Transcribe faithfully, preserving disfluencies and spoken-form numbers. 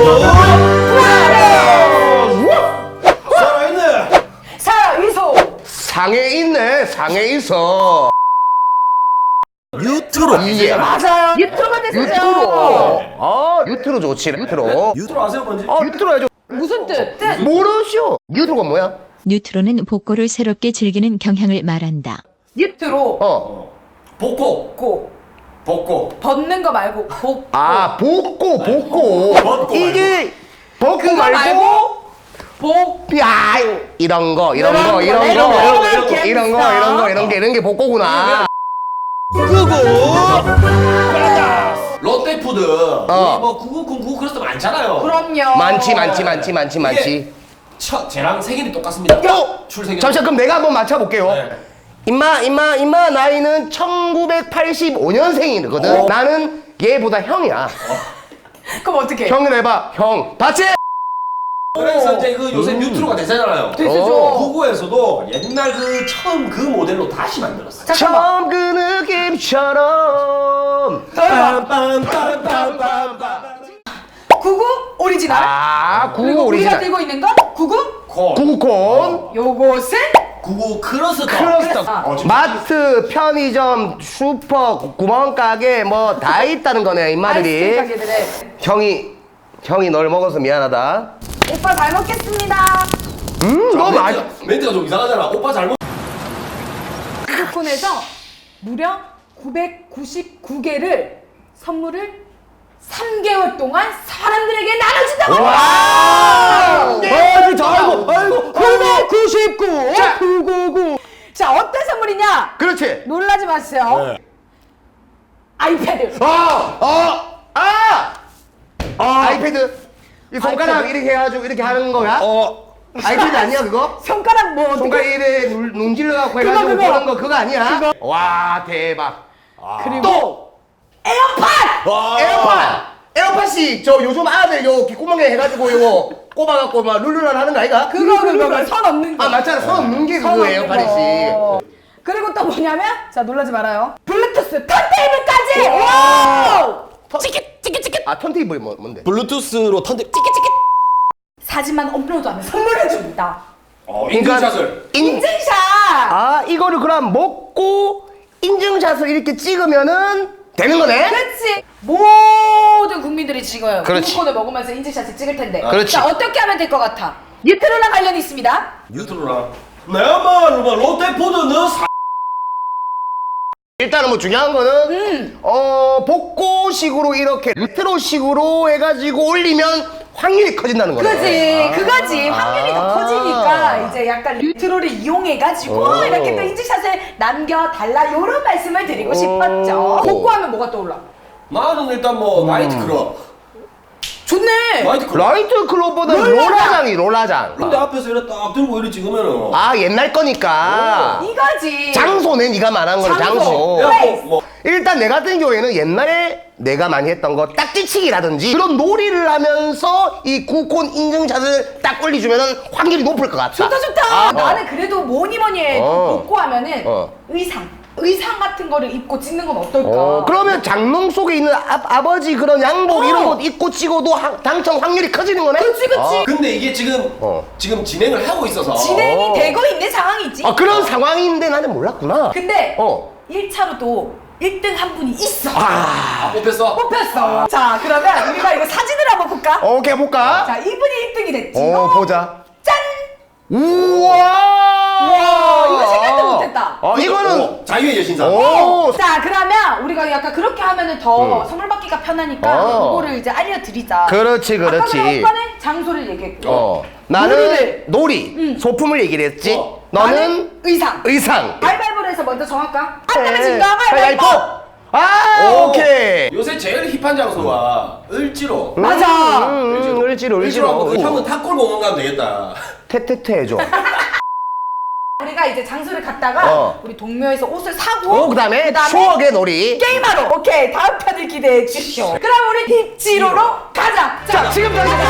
살아있네. 살아있어. 상해 있네. 상해 있어. 뉴트로. 예. 맞아요. 유튜브가 됐어요. 유트로. 아, 유트로 좋지. 유트로. 뉴트로 아세요 뭔지? 아, 유트로 해줘. 무슨 뜻? 뜻. 모르시오. 유트로가 뭐야? 뉴트로는 복고를 새롭게 즐기는 경향을 말한다. 유트로. 어. 복고. 고. 복고. 벗는 거 말고 복. 아, 복고, 복고. 벗고 이게 복고 그거 말고, 말고 복. 야, 이런 거, 이런 이런 거, 거, 이런 이런 거, 거, 이런 거, 이런 거. 이런 거, 이런 거, 이런 게, 이런 게 복고구나. 구구. 롯데푸드. 어. 뭐 구구군 구구 크러스트 많잖아요. 그럼요. 많지, 많지, 많지, 많지, 많지. 첫 쟤랑 생일이 똑같습니다. 어? 출생일. 잠시만, 그럼 내가 한번 맞춰볼게요. 네. 임마, 임마, 임마, 나이는 천구백팔십오 년생이거든. 어. 나는 얘보다 형이야. 그럼 어떻게? 형을 해봐, 형. 봤지? 그래서 이제 그 요새 뉴트로가 대세잖아요. 대세죠. 어. 구구에서도 옛날 그 처음 그 모델로 다시 만들었어요. 잠깐만. 처음 그 느낌처럼. 빰빰빰빰빰빰. 구구 오리지널. 아, 구구 그리고 우리가 오리지널. 들고 있는 건 구구. 콘. 구구콘. 요것은 구구 크러스터. 크러스터. 아. 어, 지금 마트, 편의점, 슈퍼, 구멍가게 뭐 다 있다는 거네, 아이스크림 임마들이. 가게들의 형이, 형이 널 먹어서 미안하다. 오빠 잘 먹겠습니다. 음, 자, 너 많이. 멘트가, 멘트가 좀 이상하잖아. 오빠 잘못. 구구콘에서 무려 구백구십구 개를 선물을 삼 개월 동안 사람들에게 나눠준다고. 와! 아, 진짜, 아이고, 아이고. 구백구십구. 자. 구구구. 자, 어떤 선물이냐? 그렇지. 놀라지 마세요. 네. 아이패드. 아! 아! 아! 아, 이패드. 이 손가락 아이패드. 이렇게 해가지고 이렇게 하는 거야? 어. 아이패드 아니야, 그거? 손가락 뭐 손가락 어떻게? 이래 눌- 눈질러갖고 그거, 해가지고 그거. 보는 거 그거 아니야? 그거. 와, 대박. 그리고 또! 에어팟. 와. 에어팟! 에어팟이 저 요즘 아들 요 귓구멍에 해가지고 요거 꼽아갖고 막 룰루랄 하는 거 아이가? 그거 그거 선 없는 거. 아, 맞잖아. 선 없는 게 선 그거예요, 없는 파리씨. 거. 그리고 또 뭐냐면 자 놀라지 말아요. 블루투스 턴테이블까지. 와! 아, 턴테이블이 뭐, 뭔데? 블루투스로 턴데. 사진만 업로드하면 선물해 줍니다. 어, 인증샷을. 인, 인증샷. 아, 이거를 그럼 먹고 인증샷을 이렇게 찍으면은 되는 거네? 그렇지. 모든 국민들이 지금 그렇지. 구구콘을 먹으면서 인증샷을 찍을 텐데. 그렇지. 자 어떻게 하면 될 것 같아? 뉴트로랑 관련이 있습니다. 뉴트로랑. 내가 뭐 롯데푸드는 사. 일단은 뭐 중요한 거는 음. 어 복고식으로 이렇게 루테로식으로 해가지고 올리면 확률이 커진다는 거네. 그지, 아. 그거지. 확률이 더 커지니까 이제 약간 뉴트로를 이용해가지고 오. 이렇게 또 인증샷을 남겨달라 이런 말씀을 드리고 싶었죠. 복고하면 뭐가 떠올라? 나는 일단 뭐 나이트클럽. 좋네. 나이트클럽. 라이트 클럽보다 롤라장. 롤라장이 롤라장. 근데 앞에서 이렇게 딱 들고 이렇게 찍으면은. 아, 옛날 거니까. 이거지. 장소네, 네가 말한 거는 장소. 장소. 야, 플레이스. 뭐, 뭐. 일단 내 같은 경우에는 옛날에 내가 많이 했던 거 딱지치기라든지 그런 놀이를 하면서 이 구콘 인증샷을 딱 올려주면은 확률이 높을 것 같다. 좋다 좋다. 아, 어. 나는 그래도 뭐니 뭐니 해도 어. 복고하면은 어. 의상. 의상 같은 거를 입고 찍는 건 어떨까? 어, 그러면 장롱 속에 있는 아, 아버지 그런 양복 어. 이런 거 입고 찍어도 하- 당첨 확률이 커지는 거네? 그치 그치. 근데 이게 지금 어. 지금 진행을 하고 있어서. 진행이 어. 되고 있는 상황이지. 아, 그런 상황인데 나는 몰랐구나. 근데 어. 일 차로도 일 등 한 분이 있어. 아, 뽑혔어. 뽑혔어. 자, 그러면 우리가 이거 사진을 한번 볼까? 어, 오케이, 볼까? 자, 이분이 일 등이 됐지. 어, 보자. 짠! 우와! 우와, 이거 생각도 못했다. 어, 이거는. 어, 자유의 여신상. 오! 자, 그러면 우리가 약간 그렇게 하면은 더 선물 받기가 편하니까 어. 그거를 이제 알려드리자. 그렇지, 그렇지. 아까 오빠는 장소를 얘기했고. 어. 나는 놀이를. 놀이, 응. 소품을 얘기를 했지. 어. 너는 나는 의상. 의상. 가위바위보를 해서 먼저 정할까? 안 네. 되면 진거 가위바위보. 아, 오. 오케이. 요새 제일 힙한 장소가 을지로. 맞아. 음, 음, 을지로, 을지로 한번 그 을지로. 형은 탑골 공원 가면 되겠다. 테테테 해줘. 우리가 이제 장소를 갔다가 어. 우리 동묘에서 옷을 사고 오, 그 다음에 추억의 놀이. 게임하러. 오케이, 다음 편을 기대해 주시오. 그럼 우리 힙지로로 가자. 자, 지금 당장